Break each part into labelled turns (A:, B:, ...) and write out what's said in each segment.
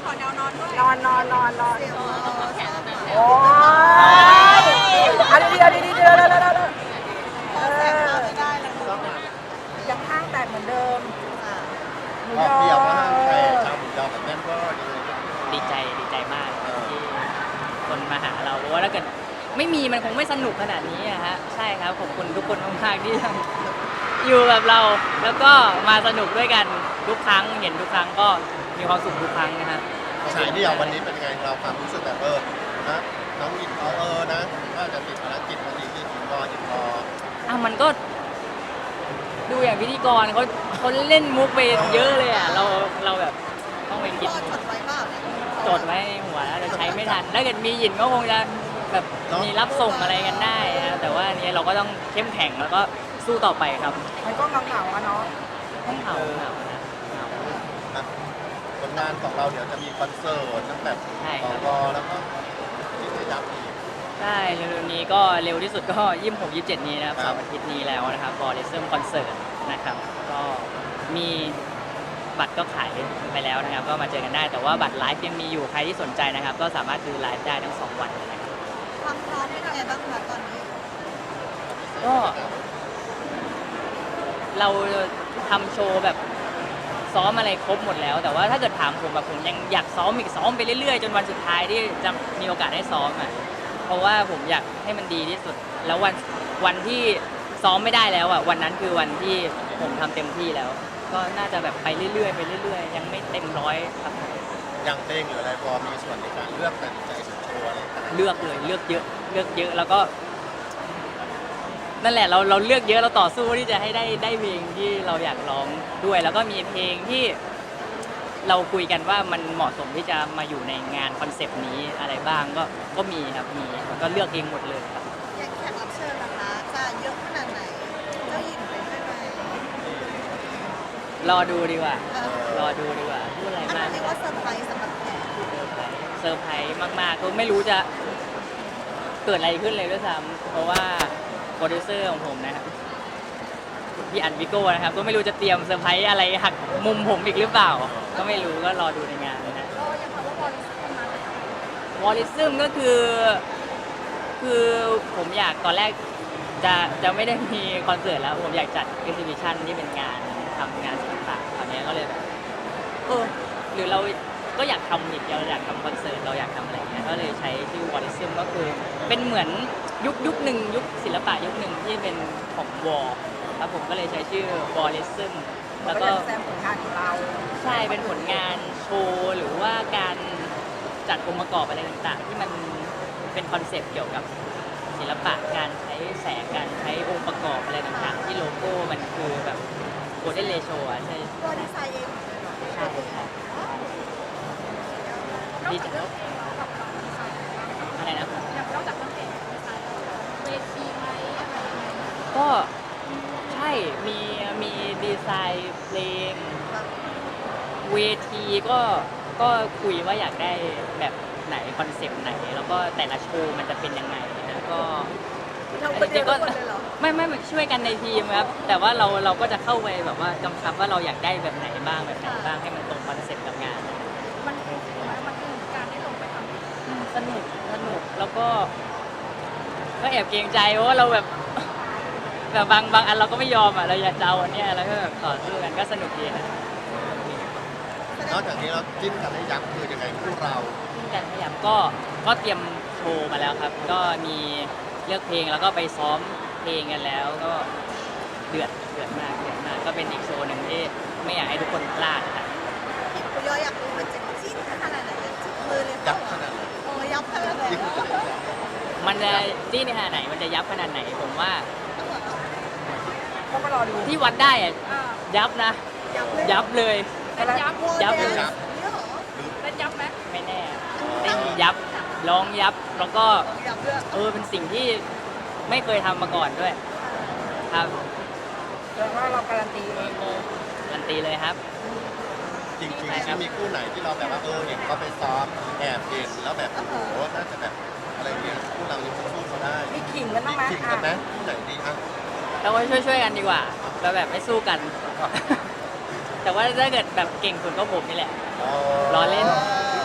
A: ขอแนวนอนด้วย
B: เสียวแขน
C: โอ้ยเอาดีๆเอาดีๆเดี๋ยว
B: พอแสบตาไม่ได้เลย
C: ยังข้างแตกเหมือนเดิมหมู
D: ก็
C: ยอ
D: เดียวว่าแต่ชาวหมูยอกับแม่นก็
E: ดีใจมากที่คนมาหาเราเพราะว่าถ้าเกิดไม่มีมันคงไม่สนุกขนาดนี้อะฮะใช่ครับขอบคุณทุกคนมากๆที่ยังอยู่กับเรา แล้วก็มาสนุกด้วยกันทุกครั้งเห็นทุกครั้งก็มีความสุขทุกครั้งนะฮะ
D: ฉายเดียววันนี้เป็นไงเราความรู้สึกแบบนะน้องอินนะก็จะติดภารกิจวันนี้ที่อินรอ
E: มันก็ดูอย่างพิธีกรเขาเล่นมุกไปเยอะเลยอ่ะเราแบบต้องไปคิด
B: พ่อจดไว้เปล่าเนี่ย
E: จดไว้ในหัวแล้วแต่ใช้ไม่ทันถ้าเกิดมีหยินก็คงจะแบบมีรับส่งอะไรกันได้นะแต่ว่าอันนี้เราก็ต้องเข้มแข็งแล้วก็สู้ต่อไปครับ
C: มันก็เหงาๆอะเนาะ
E: ต้องเหงานะเหงา
D: ผลงานของเราเดี๋ยวจะมีคอนเสิร์ตตั้งแต่กแล้วก็ที่จะยับอีก
E: ใช่เร็วๆนี้ก็เร็วที่สุดก็26-27นี้นะครับเสาร์อาทิตย์นี้แล้วนะครับบอลเลเซอร์คอนเสิร์ตนะครับก็มีบัตรก็ขายไปแล้วนะครับก็มาเจอกันได้แต่ว่าบัตรไลฟ์ยังมีอยู่ใครที่สนใจนะครับก็สามารถดูไลฟ์ได้ทั้ง2วันเลยนะครับ
B: ความพร้อมเป็นยังไงบ้างคะตอนนี้
E: ก็เราทำโชว์แบบซ้อมอะไรครบหมดแล้ว แต่ว่าถ้าเกิดถามผมแบบผมยังอยากซ้อมอีกซ้อมไปเรื่อยๆจนวันสุดท้ายที่จะมีโอกาสได้ซ้อมอ่ะเพราะว่าผมอยากให้มันดีที่สุด แล้ววันที่ซ้อมไม่ได้แล้วอ่ะวันนั้นคือวันที่ผมทำเต็มที่แล้ว ก็น่าจะแบบไปเรื่อยๆไปเรื่อยๆยังไม่เต็มร้อยครับ
D: อย่างเพลงหรืออะไรพอมีส่วนในการเลือกตัดสินใจโชว์อะไร
E: เลือกเลยเลือกเยอะแล้วก็นั่นแหละเราเลือกเยอะเราต่อสู้ที่จะให้ได้เพลงที่เราอยากร้องด้วย แล้วก็มีเพลงที่เราคุยกันว่ามันเหมาะสมที่จะมาอยู่ในงานคอนเซปต์นี้อะไรบ้างก็มีครับมีก็เลือกเองหมดเลยครับ
B: อย่างแขกรับเชิญนะคะจะเยอะขนาดไหนเจ้าหญิงเป็นได้ไหม
E: รอดูดีกว่ารอดูดีกว่าพูดอะไร
B: อัน
E: มา
B: นั้
E: ก
B: นเรียกว่าเซอร์ไพรส์สำหรับแขก
E: เซอร์ไพรส์มากๆก็ไม่รู้จะเกิดอะไรขึ้นเลยด้วยซ้ำเพราะว่าโปรดิวเซอร์ของผมนะครับพี่อันวิโก้นะครับก็ไม่รู้จะเตรียมเซอร์ไพรส์อะไรหักมุมผมอีกหรือเปล่า ก็ไม่รู้ก็รอดูในงานนะฮะวอลลิซึมก็คือผมอยากตอนแรกจะไม่ได้มีคอนเสิร์ตแล้วผมอยากจัดเอ็กซิบิชันที่เป็นงานทำงานศิลปะคราวนี้ก็เลยแบบหรือเราก็อยากทำอีกเราอยากทำคอนเสิร์ตเราอยากทำอะไรเงี้ยก็เลยใช้ชื่อวอลลิซึมก็คือเป็นเหมือนยุคหนึ่งยุคศิลปะยุคหนึ่งที่เป็นของวอลแล้วผมก็เลยใช้ชื่อวอลลิซึมแล้วก็
C: แซมผลงานของเรา
E: ใช่เป็นผลงานโชว์หรือว่าการจัดองค์ประกอบอะไรต่างๆ ที่มันเป็นคอนเซปต์เกี่ยวกับศิลปะการใช้แสงการใช้องค์ประกอบอะไรต่างๆ ที่โลโก้มันคือแบบโกลเด้นเรโชอ่ะใช่
B: ตัวดีไซน์เอง
E: ใช่ดีจังอะไรนะ
A: อย่างนอกจากเรื่องเพลงเวทีไหมอะไรยังไง
E: ก็ใช่มีดีไซน์เพลงเวทีก็คุยว่าอยากได้แบบไหนคอนเซปต์ไหน แล้วก็แต่ละโชว์มันจะเป็นยังไงนะก็
B: เราคนเดียวทุกคนเลยเหรอ
E: ไม่ช่วยกันในทีมครับแต่ว่าเราก็จะเข้าไปแบบว่ากำชับว่าเราอยากได้แบบไหนบ้างให้มันตรงคอนเซปต์กับงานนะ
A: มันคือการได้ลงไปทำ
E: สนุกแล้วก็แอบเกรงใจเพราะว่าเราแบบบางอันเราก็ไม่ยอมอ่ะเราอยากจะเอาอันเนี้ยแล้วก็แบบต่อสู้กันก็สนุกดีนะ
D: นอกจากนี้เราจิ้นกันได้ยับคือยังไงพวกเรา
E: ซึ่งการขยับก็เตรียมโชว์มาแล้วครับ ก็มีเลือกเพลงแล้วก็ไปซ้อมเพลงกันแล้วก็เดือดมากก็เป็นอีกโชว์หนึ่งที่ไม่อยากให้ทุกคนพลาดครับ
B: คุณยออยากรู้มันจะจิ้นขนาดไหนจิ้นมือเลย
D: ยับขนาดไหน
B: โอ้ยับขนาดไหน
D: ที่คุณจะได้ยับ
E: มันจะจี้ในขนาดไหนมันจะยับขนาดไหนผมว่า
C: ก็มารอดู
E: ที่วัดได้อะยับนะ
B: ยับเลย
E: ยับเลย
A: เล่นยับ
E: ยับเลย
B: เนี่ยเหรอ
A: เล่นยับไหม
E: ไม่แน่เต้นยับร้องยับแล้วก็
B: ยับเลย
E: เป็นสิ่งที่ไม่เคยทำมาก่อนด้วยครับ
C: แปลว่าเราการันตีเองเลย
E: การันตีเลยครับ
D: จริงๆที่มีคู่ไหนที่เราแบบว่าเห็นเขาไปซ้อมแอบเห็นแล้วแบบโอ้โหน่าจะแบบอะไรเงี้ยคู่เรายังสู้เขาได้
C: มีขิงกันบ้างไหม
D: ขิงกันไหมคู่ไหนดีอ่ะ
E: เราก็ช่วยกันดีกว่าเราแบบไม่สู้กัน แต่ว่าถ้าเกิดแบบเก่งสุดก็ผมนี่แหละ ล้อเล่น
D: อ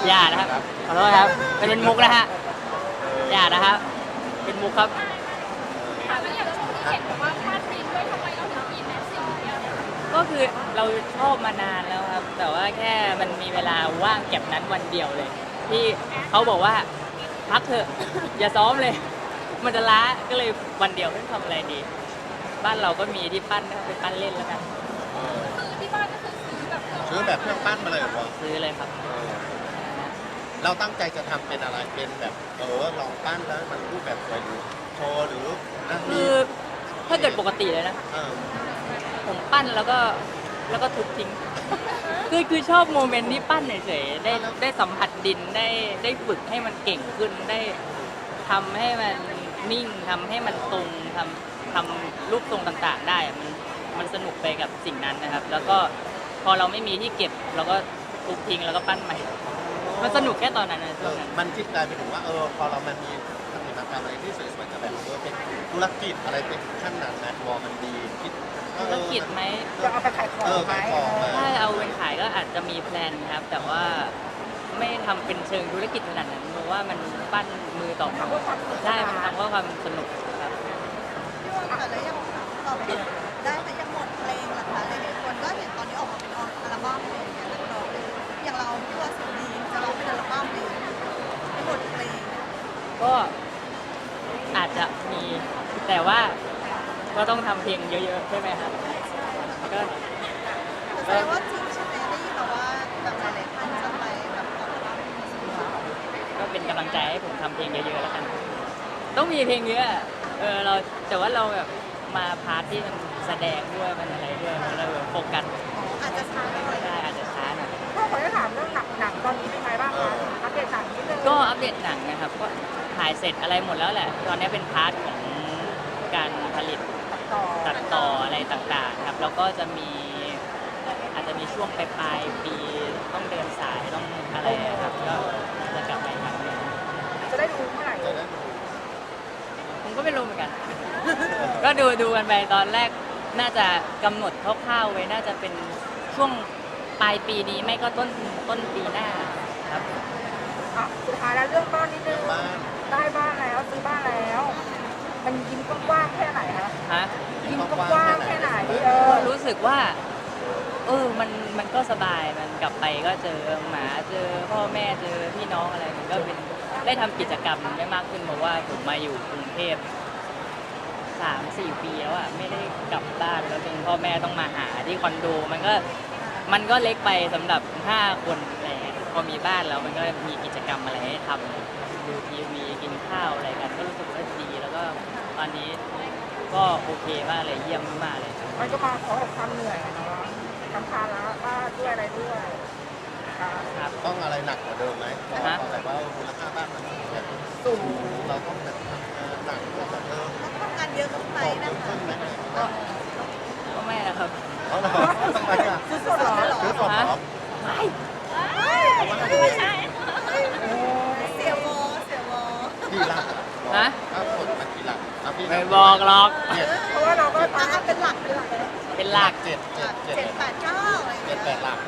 E: อย่านะครับขอโทษครับเป็นมุกนะฮะอย่านะครับเป็นมุกครับ
A: แล้วอย่างช่วงที่เห็นบอกว่าพลาดฟิล์มด้วยทำไมเราถึงมีแมสซิ่งเดียวเนี่ย
E: ก็คือเราชอบมานานแล้วครับ แต่ว่าแค่มันมีเวลาว่างเก็บนั้นวันเดียวเลย ที่เขาบอกว่าพักเถอะ อย่าซ้อมเลย มันจะล้าก็เลยวันเดียวไม่ทำอะไรดี บ้านเราก็มีที่ปั้นก็ไปปั้นเล่นแล้วกัน
A: ซื้อที่บ้านก็คือซื้อแบบเครื่อง
D: ซื้อแบบเครื่องปั้นมาเลยเหรอ
E: ซื้อเลยครับ
D: เราตั้งใจจะทำเป็นอะไรเป็นแบบลองปั้นแล้วมันรูปแบบสวยหรือโชว์หรือนะ
E: คือถ้าเกิดปกติเลยนะ
D: เออ
E: ผมปั้นแล้วก็ทุบทิ้ง คือชอบโมเมนต์ที่ปั้นเฉยๆได้สัมผัสดินได้ฝึกให้มันเก่งขึ้นได้ทำให้มันนิ่งทำให้มันตรงทำรูปทรงต่างๆได้อะมันสนุกไปกับสิ่งนั้นนะครับ แล้วก็พอเราไม่มีที่เก็บเราก็ทุบทิ้งแล้วก็ปั้นใหม่ มันสนุกแค่ตอนนั้นนะช่วงนั้น
D: มันคิดกลายไปถึงว่าพอเรามันมีผลิตภัณฑ์อะไรที่สวยๆจะแบบเป็นธุรกิจอะไรเป็นขั้นนั้นนะวอมันดีคิดว่า
E: ธุรกิจไหม
C: จะเอาไปขายของไหม
D: ขายของไหม
E: ถ้าเอาเป็นขายก็อาจจะมีแพลนครับ แต่ว่าไม่ทำเป็นเชิงธุรกิจขนาดนั้นเพราะว่ามันปั้นมือต่อมือใช่มันทำเพื่อความสนุกครับ
B: พี่ว่าแต่แล้วยังต่อไปได้แต่ยังหมดเพลงล่ะคะหลายๆคนก็เห็นตอนนี้ออกมาเป็นอัลบั้มอะไรอย่างเงี้ยนักร้องเลยอย่างเราพี่ว่าสุดดีจะร้องเป็นอัลบั้มเลยหมดเพลง
E: ก็อาจจะมีแต่ว่าก็ต้องทำเพลงเยอะๆใช่ไหมครับก็
B: แสดงว่าจริงใช่ไหมได้ยินมาว่าแบบหลายๆท่านจะไปแบบออกอัลบั้ม
E: ก็เป็นกำลังใจให้ผมทำเพลงเยอะๆแล้วกัน ต้องมีเพลงเยอะเราแต่ว่าเราแบบมาพาร์ทที่มันแสดงด้วยมันอะไรด้วยมันเลยแบบโฟกัส
B: อาจจะช้าหน่อย
E: ไม่ได้อาจจะช้าหน่อย
C: พ่อขอจะถามเรื่องหนังตอนนี้เป็นไงบ้างคะอัปเดตหนังนิดนึง
E: ก็อัปเดตหนังนะครับ ก็ถ่ายเสร็จอะไรหมดแล้วแหละ ตอนนี้เป็นพาร์ทของการผลิต
C: ต่อ
E: ตัดต่ออะไรต่างๆครับ แล้วก็จะมีอาจจะมีช่วงปลายๆปีต้องเดินสายต้องอะไรครับก็จะกลับมาอีกครั้งหนึ่ง
C: จะได้รู้เมื่อไหร่
D: จะได้
E: ผมก็ไม่รู้เหมือนกัน ก็ดูกันไปตอนแรกน่าจะกำหนดคร่าวๆไว้น่าจะเป็นช่วงปลายปีนี้ไม่ก็ต้นปีหน้าครับ
C: อ่ะสุดท้ายแล้วเรื่องบ้านนิดนึง
D: บ้าน
C: ได้บ้านแล้วซื้อบ้านแล้ว มันยิ้มกว้างๆแค่ไหนคะ
E: ฮะ
C: ยิ้มกว้างๆแค่ไหน
E: ก็รู้สึกว่ามันก็สบายมันกลับไปก็เจอหมาเจอพ่อแม่เจอพี่น้องอะไรมันก็เป็นได้ทำกิจกรรมได้มากขึ้นเพราะว่าผมมาอยู่กรุงเทพ3-4 ปีแล้วอ่ะไม่ได้กลับบ้านแล้วจนพ่อแม่ต้องมาหาที่คอนโดมันก็เล็กไปสำหรับ5 คนอะไรเงี้ยพอมีบ้านแล้วมันก็มีกิจกรรมอะไรให้ทำดูทีวีกินข้าวอะไรกันก็รู้สึกว่าดีแล้วก็ตอนนี้ก็โอเคมากเลยเยี่ยมมากเลย
C: มันก็มาขอความเหนื่อยอะเนาะทำภาระบ้านด้วยอะไรด้วยค่ะ
E: ครับ
D: ต้องอะไรหนักกว่าเดิมไหมเพราะ
E: ฮะ
D: แบบว่ามูลค่าบ้านมันแบบ
C: สูง
D: เราต้องแบบหนักกว่าแบบ
B: ต้องทำงานเยอะขึ้นไหม
D: ต่อ
B: นะ
D: ขึ้
B: คะ
D: นไหม
E: ก็ไม่นะครับ
D: เอาเหรอทำไมอ่ะ
B: ซื้อสดเหรอ
D: ซื้อสดเหรอ
E: ไม่
A: ไม่ใช่
B: เสียวอ
D: กี่หลัก
E: ฮะ
D: ถ้าผลมันกี่หลักพี่
E: ไม่บอกหรอก
D: เจ็ด
C: เพราะว่าเราก็
B: อ่ะเป็นหลักเลย
E: เป็นหลัก
D: เจ็ด
B: 7-8-9อะไรอย่าง
D: เจ็
B: เงี้
D: ด
B: ย
D: แปดหลัก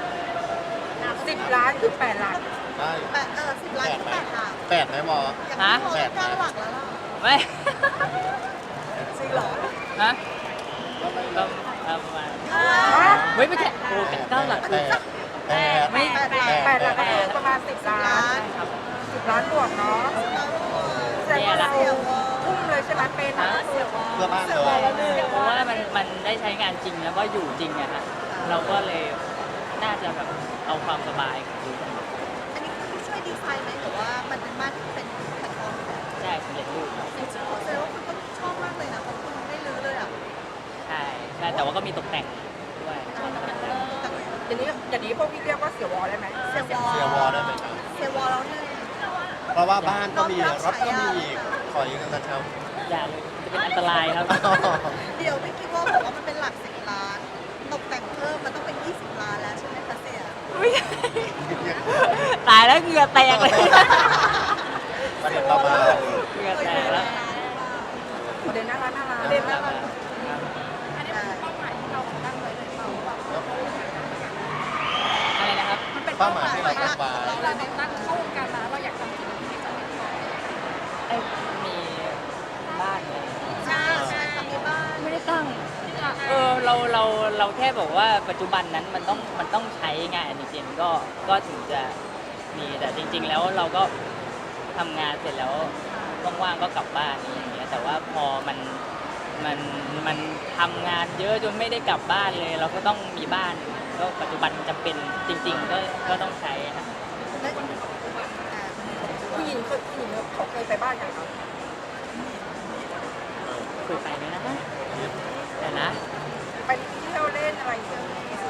C: 10 ล้านคือ8 หลัก
D: ได้
B: 10 ล้านก็8 หลัก
D: แปดไหมวอ
B: อย่างที่พอ9 หลักแล้วล่ะ
E: ไม่
B: จริงเหรอ
E: ฮะก็ประมาณเฮ้ยไม่ใช่โอ้9 หลัก
D: แปด
C: 8 หลักก็คือประมาณ10 ล้าน
E: ครับ
C: 10 ล้านบวกเนาะแสดงว่าเราทุ่มเลยใช่ไหมเป็น
E: ฮะ
D: เพื่อบ้านเลย
E: เพราะว่ามันได้ใช้งานจริงแล้วก็อยู่จริงอะฮะเราก็เลยน่าจะแบบเอาความสบายดู
B: อันนี้คือช่วยดีไซน์ไหมหรือว่ามันเป็นบ้านที่เป็นแพลตฟอร์มแบบ
E: ใช่สำเร็จรูปครับ
B: จริงๆแสดงว่าคุณต้องชอบมากเลยนะเพราะคุณไม่รื้อเลยอ่ะ
E: ใช่ใช่แต่ว่าก็มีตกแต่งด้วย
C: อย่างนี้พวกพี่เรียกว่าเสียวอได้ไหม
B: เสียวอ
D: เสียวอได้ไหมครับ
B: เสียวอแล้วเนี่ย
D: เพราะว่าบ้านก็มีรถก็มีอีกขอยืมเงินเช่า
E: อย่าเลยจะเป็นอันตรายครับ
B: เดี๋ยวไม่คิดว่าบอกว่ามันเป็นหลัก10 ล้าน ตกแต่งเพิ่มมันต้องเป็น20 ล้านแล้วใช่ไหมคะเสีย
E: อุ๊ยตายแล้วเหงื่อแตกเลย
D: ประเด็นเรามา
E: เหงื่อแตกแล้ว
C: ประเด็นน่ารักน่ารัก
B: เด่นมาก
A: อันนี้เป็นเป้าหมายที่เราตั้งไว้เลยเปล่า
E: อะไรนะครับ
B: มันเป็น
D: เป้าหมายที่เราตั้งไว้
A: เราตั้งเข้าวงการมาเราอยากทำสิ่งที่ไม่สำเร็จก่อน
E: ไอ้มีบ้านเลย
B: ใช่ใช่ทำที่บ้าน
E: ไม่ได้ตั้งเราแค่บอกว่าปัจจุบันนั้นมันต้องใช้งานจริงๆก็ถึงจะมีแต่จริง ๆ แล้วเราก็ทำงานเสร็จแล้วว่างๆก็กลับบ้านอย่างเงี้ยแต่ว่าพอมันทำงานเยอะจนไม่ได้กลับบ้านเลย เราก็ต้องมีบ้านก็ปัจจุบันจำเป็นจริง ๆ ก็ต้องใช้ครับ
C: ผู้หญิงเขาเคยไปบ้านกันครับ
E: คุยไปไหมนะแต่นะ
C: ไปเที่ยวเล่นอะไรอย่างเงี้ย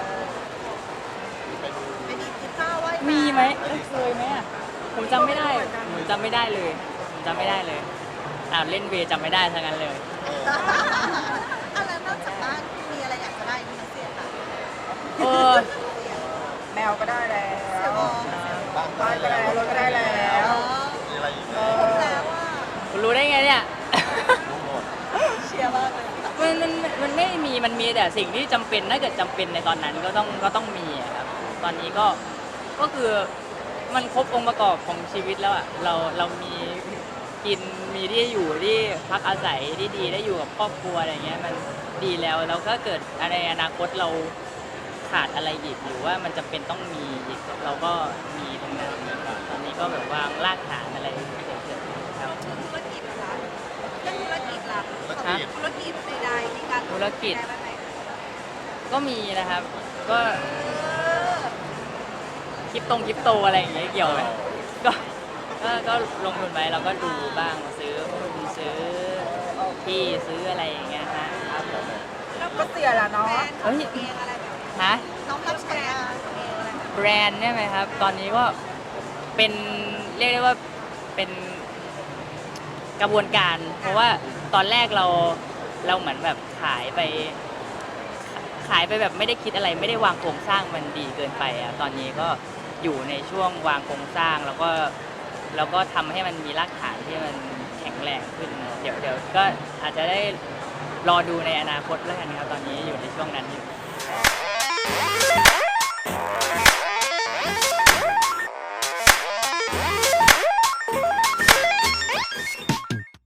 B: ไปดีกินข้าวไหว้พระ
E: มีไหมเคยไหมอ่ะผมจำไม่ได้เลยผมจำไม่ได้เลยเล่นเวย์จำไม่ได้ทั้งนั้นเลย
B: อะไรนอกจากบ้านมีอะไรอยากจะได้มีเสียค่ะ
E: เออ
C: แมวก็ได้แล้
B: เสียว บอ
C: บ้านก็ได้รถก็ได้แล้ว
D: มีอะไรอีกไหม
B: ครบแล้วว่า
E: คุณรู้ได้ไงเนี่ย
D: รู้หมด
B: เชียร์มากเลยค่ะ
E: มันไม่มีมันมีแต่สิ่งที่จำเป็นถ้าเกิดจำเป็นในตอนนั้นก็ต้องมีอะครับตอนนี้ก็คือมันครบองค์ประกอบของชีวิตแล้วอ่ะเรามีกินมีที่อยู่ที่พักอาศัยที่ดีได้อยู่กับครอบครัวอะไรเงี้ยมันดีแล้วก็เกิดในอนาคตเราขาดอะไรอีกหรือว่ามันจำเป็นต้องมีอีกเราก็มีตรงนั้นตอนนี้ก็แบบวางรากฐานอะไรเสร็จๆครับ
B: ธุรกิจล่ะเรื่องธุรกิจล่ะ
D: ธุรกิจ
B: ธุรกิจใดๆมีการ
E: ธุรกิจ
B: ได้ไหม
E: ก็มีนะครับ ก็คริปโตอะไรอย่างเงี้ยเกี่ยวไหมก็ลงทุนไปเราก็ดูบ้างซื้อหุ้นซื้อที่ซื้ออะไรอย่างเงี้ยฮะครับผม
C: ก็เสียละเนาะ
B: แบรนด์ของตัวเองอะไรแบบนี้
E: ฮะ
B: น้องรับแบรนด์ของตัวเองอะไรแบบนี้
E: แบรนด์เนี่ยไหมครับ ตอนนี้ก็เป็นเรียกได้ว่าเป็นกระบวนการ เพราะว่าตอนแรกเราเหมือนแบบขายไปแบบไม่ได้คิดอะไรไม่ได้วางโครงสร้างมันดีเกินไปอ่ะตอนนี้ก็อยู่ในช่วงวางโครงสร้างแล้วก็ทำให้มันมีรากฐานที่มันแข็งแรงขึ้นเดี๋ยวก็อาจจะได้รอดูในอนาคตแล้วกันครับตอนนี้อยู่ในช่วงนั้นอยู่